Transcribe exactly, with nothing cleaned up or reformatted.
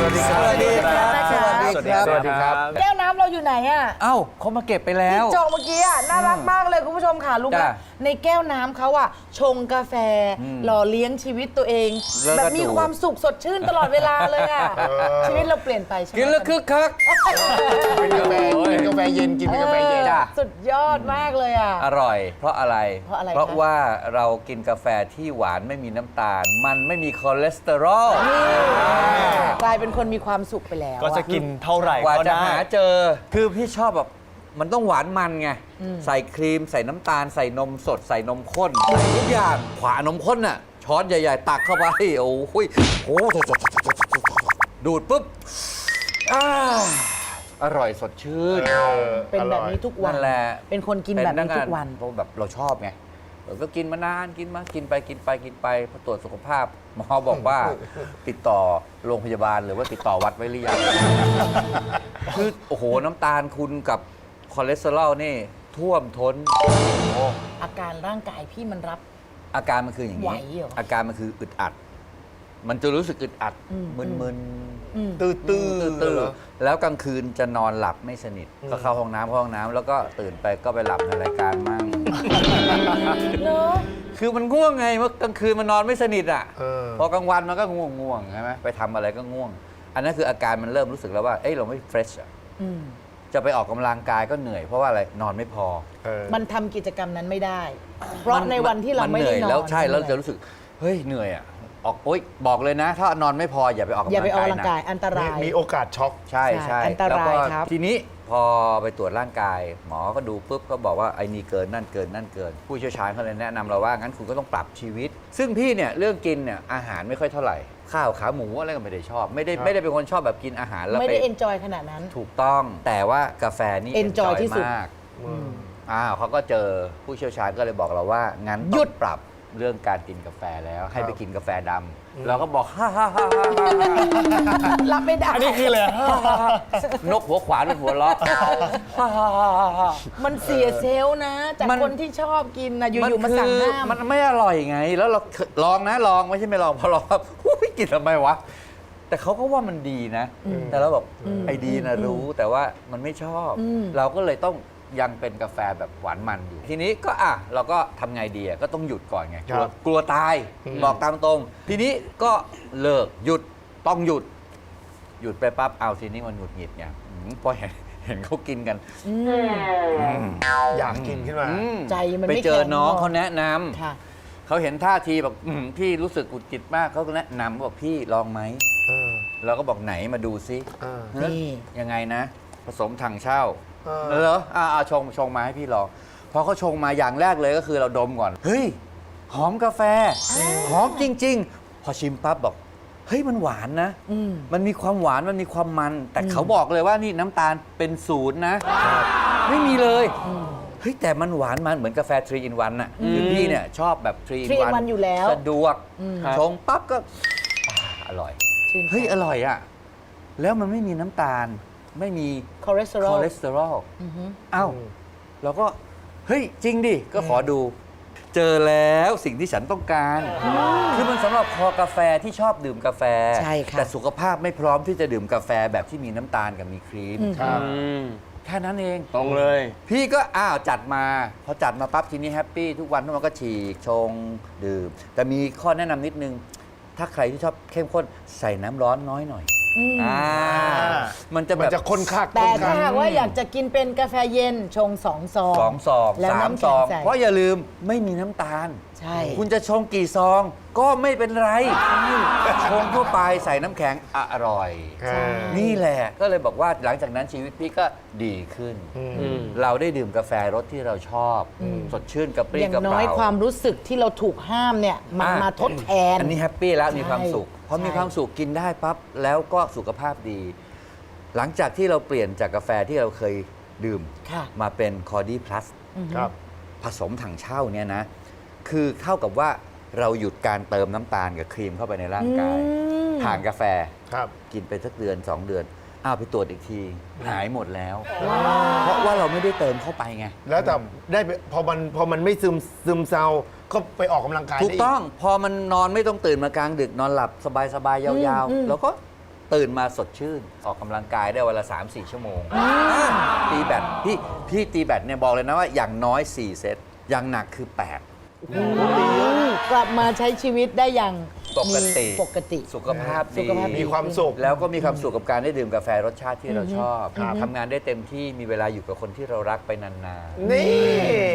วัสดีครับสวัสดีครับสวัสดีครับสวัสดีครับแก้วน้ำเราอยู่ไหนอ่ะเอ้าเขามาเก็บไปแล้วที่จองเมื่อกี้อ่ะน่ารักมากเลยคุณผู้ชมค่ะรู้ไหมจ้ะในแก้วน้ำเขาอ่ะชงกาแฟหล่อเลี้ยงชีวิตตัวเองแล้วก็แบบมีดูความสุขสดชื่นตลอดเวลาเลยอ่ะชีวิตเราเปลี่ยนไปใช่ไหมกินแล้วคึกคักเป็นกาแฟเป็นกาแฟเย็นกินเป็นกาแฟเย็นจ้ะสุดยอดมากเลยอ่ะอร่อย เพราะอะไรเพราะอะไรเพราะคะว่าเรากินกาแฟที่หวานไม่มีน้ำตาล มันไม่มีคอเลสเตอรอลกลายเป็นคนมีความสุขไปแล้วก็จะกินเท่าไหร่กว่าก็จะได้หาเจอ คือพี่ชอบแบบมันต้องหวานมันไง ใส่ครีมใส่น้ำตาล ใส่นมสดใส่นมข้น ใส่ทุกอย่างขวานมข้นน่ะ ช้อนใหญ่ ๆ ตักเข้าไป โอ้โหโอ้โหดูดปุ๊บอ่าอร่อยสดชื่นเป็นแบบนี้ทุกวันนั่นแหละเป็นคนกินแบบนี้ทุกวันเพราะแบบเราชอบไงเราก็กินมานานกินมากินไปกินไปกินไปพอตรวจสุขภาพหมอบอกว่าติดต่อโรงพยาบาลหรือว่าติดต่อวัดไว้หรือยัง คือโอ้โหน้ำตาลคุณกับคอเลสเตอรอลนี่ท่วมท้นอาการร่างกายพี่มันรับอาการมันคืออย่างไหวนี้เหรออาการมันคืออึดอัด มันจะรู้สึกอึดอัดอืมมึนอืมตื้อตื้อๆตื้อๆแล้วกลางคืนจะนอนหลับไม่สนิทก็เข้าห้องน้ำเข้าห้องน้ำแล้วก็ตื่นไปก็ไปหลับในรายการมั่งเนอะคือมันง่วงไงเมื่อกลางคืนมันนอนไม่สนิทอ่ะเออพอกลางวันมันก็ง่วงง่วงใช่ไหมไปทำอะไรก็ง่วง อันนั้นคืออาการมันเริ่มรู้สึกแล้วว่าเอ้ยเราไม่เฟรชอ่ะอืมจะไปออกกำลังกายก็เหนื่อยเพราะว่าอะไรนอนไม่พอเออมันทำกิจกรรมนั้นไม่ได้ เพราะในวันที่เราไม่นหได้นื่ยนอนแล้วใช่แล้วเหนื่จะอยรู้สึกเฮ้ยเหนื่อยอ่ะออกโอ๊ยบอกเลยนะ ถ้านอนไม่พออย่าไปออกกำอย่าลังไปออกกายกำลังนะกายอันตมีรายมีโอกาสช็อกใช่ใช่ใช่อันตรายแล้วก็ครับทีนี้พอไปตรวจร่างกาย หมอก็ดูปุ๊บก็บอกว่าไอ้นี่เกินนั่นเกินนั่นเกิน ผู้เชี่ยวชาญเขาเลยแนะนำเราว่างั้นคุณก็ต้องปรับชีวิต ซึ่งพี่เนี่ยเรื่องกินเนี่ยอาหารไม่ค่อยเท่าไหร่ ข้าวขาหมูอะไรก็ไม่ได้ชอบ ไม่ได้ครับไม่ได้เป็นคนชอบแบบกินอาหารแล้วไม่ไปได้เอนจอยขนาดนั้นถูกต้องแต่ว่ากาแฟนี่ enjoy ที่สุดมากอืมอ้าวเขาก็เจอผู้เชี่ยวชาญก็เลยบอกเราว่างั้นหยุต้อดงปรับเรื่องการกินกาแฟแล้วให้ครับไปกินกาแฟดำเราก็บอกฮ่าฮ่าฮ่าฮ่ารับไม่ได้อันนี้คือเลยนกหัวขวานเป็นหัวล้อฮ่าฮ่าฮ่าฮ่าฮ่ามันเสียเซลล์นะ จากมันคนที่ชอบกินนะอยู่ๆมาสั่งห้ามมันไม่อร่อยไง แล้วเราลองนะลองไม่ใช่ไม่ลองพอลองครับอุ๊ยกินทำไมวะ แต่เขาก็ว่ามันดีนะ แต่เราแบบไอ้ดีนะรู้แต่ว่ามันไม่ชอบอืมเราก็เลยต้องยังเป็นกาแฟแบบหวานมันอยู่ ทีนี้ก็อ่ะเราก็ทำไงดีอ่ะก็ต้องหยุดก่อนไงกลัวครับกลัวตายอืมบอกตามตรง ทีนี้ก็เลิกหยุดต้องหยุด หยุดไปปั๊บเอาทีนี้มันหงุดหงิดไงอืมพอเห็นเห็นเขากินกันอืมอยากกินขึ้นมาอืมใจมันไปไม่เจอแข็งน้องพอเขาแนะนำค่ะเขาเห็นท่าทีแบบอืมพี่รู้สึกหงุดหงิดมากเขาก็แนะนำบอกพี่ลองไหมเออเราก็บอกไหนมาดูซิเออเฮ้ยนี่ยังไงนะ ผสมถังเช่าเออเหรออ่าอ่าชงชงมาให้พี่ลองพอเขาชงมาอย่างแรกเลยก็คือเราดมก่อน เฮ้ย หอมกาแฟ หอมจริง ๆ พอชิมปั๊บบอก เฮ้ยมันหวานนะอืมมันมีความหวานมันมีความมัน แต่เขาบอกเลยว่านี่น้ำตาลเป็นศูนย์นะ ไม่มีเลย เฮ้ย แต่มันหวานมันเหมือนกาแฟทรีอินวันน่ะคือพี่เนี่ยชอบแบบทรีอิน three in วัน one อยู่แล้วสะดวกอืมชงปั๊บก็อ่าอร่อยชื่นใจเฮ้ย อร่อยอ่ะ แล้วมันไม่มีน้ำตาล ไม่มีคอเลสเตอรอคลอเลสเตอรอลอือฮึอ้าวเราก็ เฮ้ย จริงดิ ก็ขอดู เจอแล้วสิ่งที่ฉันต้องการ คือมันสำหรับคอกาแฟที่ชอบดื่มกาแฟใช่ค่ะแต่สุขภาพไม่พร้อมที่จะดื่มกาแฟแบบที่มีน้ำตาลกับมีครีมครับแค่นั้นเองตรงเลยพี่ก็อ้าวจัดมา พอจัดมาปั๊บทีนี้แฮปปี้ทุกวันทุกวันก็ฉีกชงดื่ม แต่มีข้อแนะนำนิดนึง ถ้าใครที่ชอบเข้มข้นใส่น้ำร้อนน้อยหน่อยอืมอ่ามันจะแบมันบจะข้นคักแต่ข้นถ้าคักหากว่าอยากจะกินเป็นกาแฟเย็นชงสองซองสองซองแล้วสามน้ำซแข็งองใส่เพราะอย่าลืมไม่มีน้ำตาลใช่คุณจะชงกี่ซองก็ไม่เป็นไรชงทั่วไปใส่น้ำแข็งอร่อยเออนี่แหละก็เลยบอกว่าหลังจากนั้นชีวิตพี่ก็ดีขึ้นอืมเราได้ดื่มกาแฟรสที่เราชอบ สดชื่นกระปรี้อย่างกระเปน้อยร่าความรู้สึกที่เราถูกห้ามเนี่ยมันอ่ะมาทดแทนอันนี้แฮปปี้แล้วใช่มีความสุขพอใช่มีความสุขกินได้ปั๊บแล้วก็สุขภาพดี หลังจากที่เราเปลี่ยนจากกาแฟที่เราเคยดื่มค่ะมาเป็นคอร์ดี้พลัสครับผสมถังเช่าเนี่ยนะ คือเท่ากับว่าเราหยุดการเติมน้ำตาลกับครีมเข้าไปในร่างกายอืมผ่านกาแฟครับกินไปสักเดือนสองเดือนอ้าวไปตรวจอีกที หายหมดแล้ว เพราะว่าเราไม่ได้เติมเข้าไปไงแล้วแต่ได้ไปพอมันพอมันไม่ซึมซึมเซาก็ไปออกกำลังกายถูกได้ต้องพอมันนอนไม่ต้องตื่นมากลางดึกนอนหลับสบายๆยาวอืมๆ แล้วก็ตื่นมาสดชื่น ออกกำลังกายได้วันละ สามสี่ ชั่วโมงตีแบดพี่พี่ตีแบดเนี่ยบอกเลยนะว่าอย่างน้อย สี่ เซตอย่างหนักคือ แปดกลับมาใช้ชีวิตได้อย่างปกติมีปกติสุขภาพสุดีขภาพดีมีความสุขแล้วก็มีความสุขกับการได้ดื่มกาแฟรสชาติที่เราชอบครับทำงานได้เต็มที่มีเวลาอยู่กับคนที่เรารักไปนานๆนี่